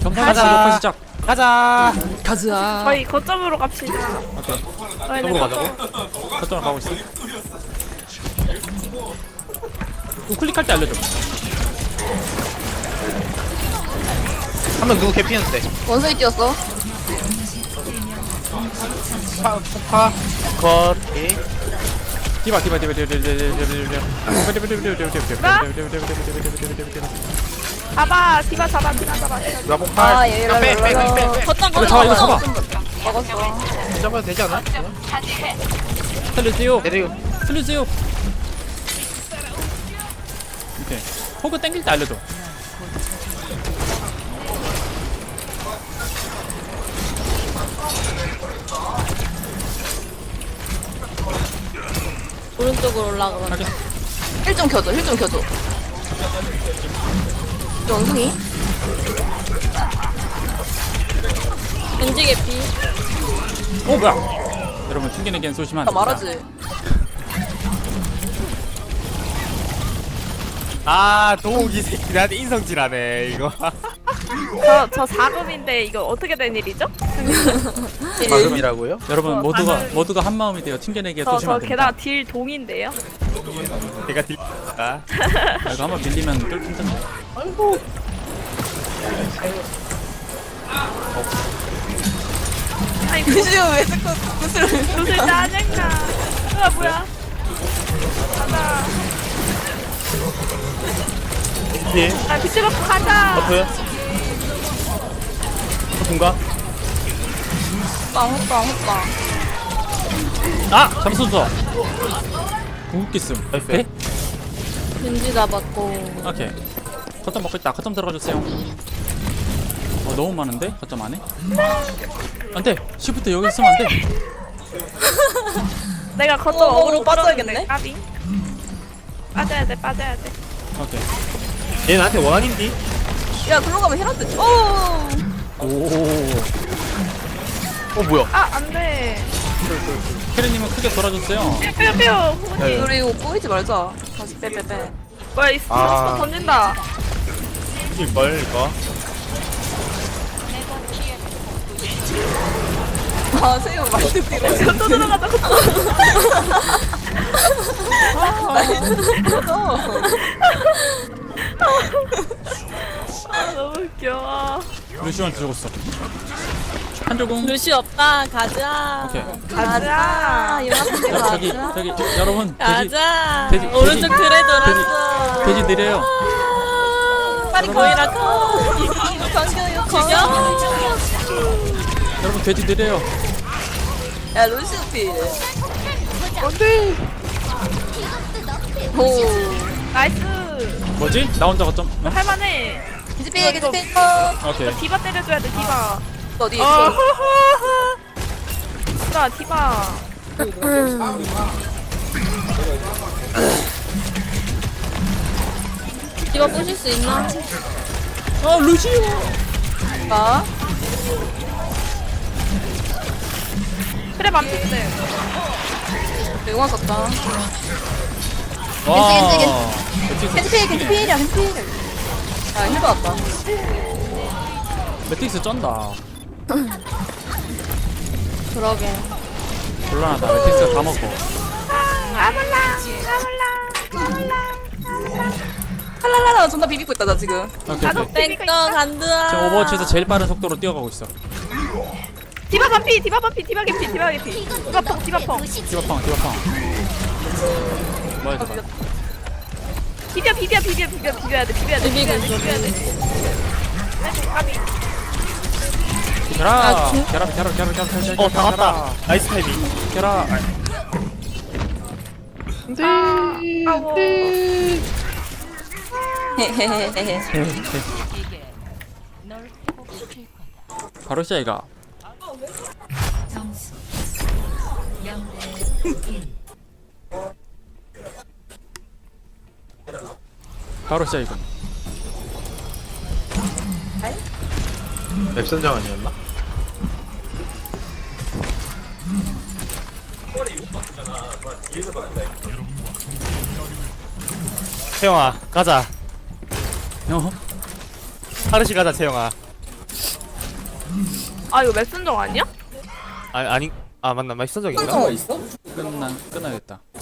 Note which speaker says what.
Speaker 1: 경사가 녹화 시작.
Speaker 2: 가자.
Speaker 1: 가자.
Speaker 3: 저희 거점으로 갑시다.
Speaker 1: 오케이.
Speaker 3: 저희는
Speaker 2: 거점으로 가자고?
Speaker 1: 거점으로 가고 있어. 우클릭할 때 알려줘.
Speaker 2: 한 명 누구 개피했는데?
Speaker 4: 원숭이 뛰었어.
Speaker 2: 폭파. 컷. 오케이.
Speaker 1: 디바.
Speaker 3: 잡아, 디바 잡아.
Speaker 2: 누가 폭파?
Speaker 4: 아, 얘
Speaker 2: 빼.
Speaker 4: 걷다
Speaker 1: 이거 잡아, 이거 잡아.
Speaker 4: 먹었어.
Speaker 2: 잡아도 되지 않아?
Speaker 1: 살려주세요.
Speaker 2: 내리고.
Speaker 1: 살려주세요. 오케이. 호그 땡길 때 알려줘.
Speaker 4: 오른쪽으로 올라가.
Speaker 1: 확인.
Speaker 4: 힐좀 켜줘. 원숭이. 겐지 개피.
Speaker 1: 오 뭐야? 여러분 튕기는 쏘시면
Speaker 4: 나
Speaker 1: 안 됩니다.
Speaker 4: 말하지.
Speaker 2: 아, 도우기 새끼 나한테 인성질하네 이거.
Speaker 3: 저 4금인데 이거 어떻게 된 일이죠?
Speaker 2: 마금이라고요?
Speaker 1: 여러분 모두가 한 마음이 돼요. 튕겨내기에
Speaker 3: 저
Speaker 1: 쏘시면 안
Speaker 3: 게다가
Speaker 1: 됩니다.
Speaker 3: 딜 동인데요.
Speaker 2: 내가 딜다.
Speaker 1: 아, 이거 한번 밀리면 뚫긴다.
Speaker 3: 아니
Speaker 4: 겐지가 왜 자꾸 구슬을.
Speaker 3: 구슬 짜증나. 뭐야? 가자.
Speaker 2: 예.
Speaker 3: 아 비트 받고 가자.
Speaker 2: 버프요? 버프인가?
Speaker 4: 호빵.
Speaker 1: 아 잠수서. 궁극기 씀.
Speaker 2: 나이스.
Speaker 1: 네?
Speaker 4: 겐지 잡았고.
Speaker 1: 오케이. 거점 먹고 있다. 거점 들어가주세요. 너무 많은데? 거점 안에? 안돼! 시프트 여기 있으면 안돼!
Speaker 3: 내가 거점
Speaker 4: 어그로
Speaker 3: 어그로
Speaker 4: 빠져야겠네.
Speaker 3: 끌었는데, 까비. 빠져야 돼.
Speaker 1: 오케이.
Speaker 2: 얘 나한테 원한인디?
Speaker 4: 야, 글로 가면 힐한테. 오.
Speaker 1: 오.
Speaker 2: 뭐야?
Speaker 3: 아 안돼.
Speaker 1: 캐리님은 크게 돌아줬어요.
Speaker 3: 뾰뾰.
Speaker 2: 네.
Speaker 4: 우리 이거 꼬이지 말자. 다시 빼.
Speaker 3: 뭐야 이 스포
Speaker 2: 아.
Speaker 3: 던진다.
Speaker 2: 이걸 이거.
Speaker 4: 아, 세요 많이 듣기로.
Speaker 3: 또 들어가자. 아 너무 웃겨.
Speaker 1: 루시오한테 죽었어. 한조궁.
Speaker 4: 루시 없다. 가자.
Speaker 1: 오케이.
Speaker 3: 가자.
Speaker 1: 저기 여러분
Speaker 4: 가자.
Speaker 1: 돼지,
Speaker 4: 오른쪽
Speaker 1: 돼지.
Speaker 4: 그래 돌았어.
Speaker 1: 돼지 느려요.
Speaker 4: 빨리 거이라고. 죽여.
Speaker 1: 여러분 돼지 느려요.
Speaker 4: 야, 루시 피. 안돼. 오.
Speaker 3: 나이스.
Speaker 1: 뭐지? 나 혼자 거점. 어?
Speaker 3: 할만해.
Speaker 4: 겐지 피.
Speaker 1: 오케이.
Speaker 3: 디바 때려줘야 돼 디바.
Speaker 4: 어디
Speaker 3: 어.
Speaker 4: 있어?
Speaker 3: 디바.
Speaker 4: 이거 부실 수 있나?
Speaker 1: 루시오.
Speaker 4: 아?
Speaker 3: 그래 맘피스.
Speaker 4: 영화 썼다.
Speaker 1: 와.
Speaker 4: 겐지 피이야. 아, 힐 받았다.
Speaker 1: 매틱스 쩐다.
Speaker 4: 그러게.
Speaker 1: 곤란하다. 매틱스가 다 먹고.
Speaker 4: 칼랄라라 존나 비비고 있다 나 지금.
Speaker 1: 오케이.
Speaker 4: 땡꺼 간다.
Speaker 1: 지금 오버워치에서 제일 빠른 속도로 뛰어가고 있어.
Speaker 3: 디바 반피. 디바 개피. 디바펑.
Speaker 1: 디바팡. 뭐야 저거?
Speaker 3: 비벼야 돼.
Speaker 4: 비비고 있어.
Speaker 3: 까비.
Speaker 1: 계라. 계라.
Speaker 2: 다 왔다. 나이스 타이밍.
Speaker 1: 계라.
Speaker 3: 아워.
Speaker 4: 헤헤헤헤.
Speaker 1: 바로 시작이가. 바로 시작이군.
Speaker 2: 맵 선정 아니었나? 채영아 가자.
Speaker 1: 어?
Speaker 2: 하르시 가자 채영아.
Speaker 3: 아 이거 맵순정 아니야?
Speaker 2: 아니 아 맞나? 말선적인가?
Speaker 5: 설정가 있어?
Speaker 1: 끝나겠다.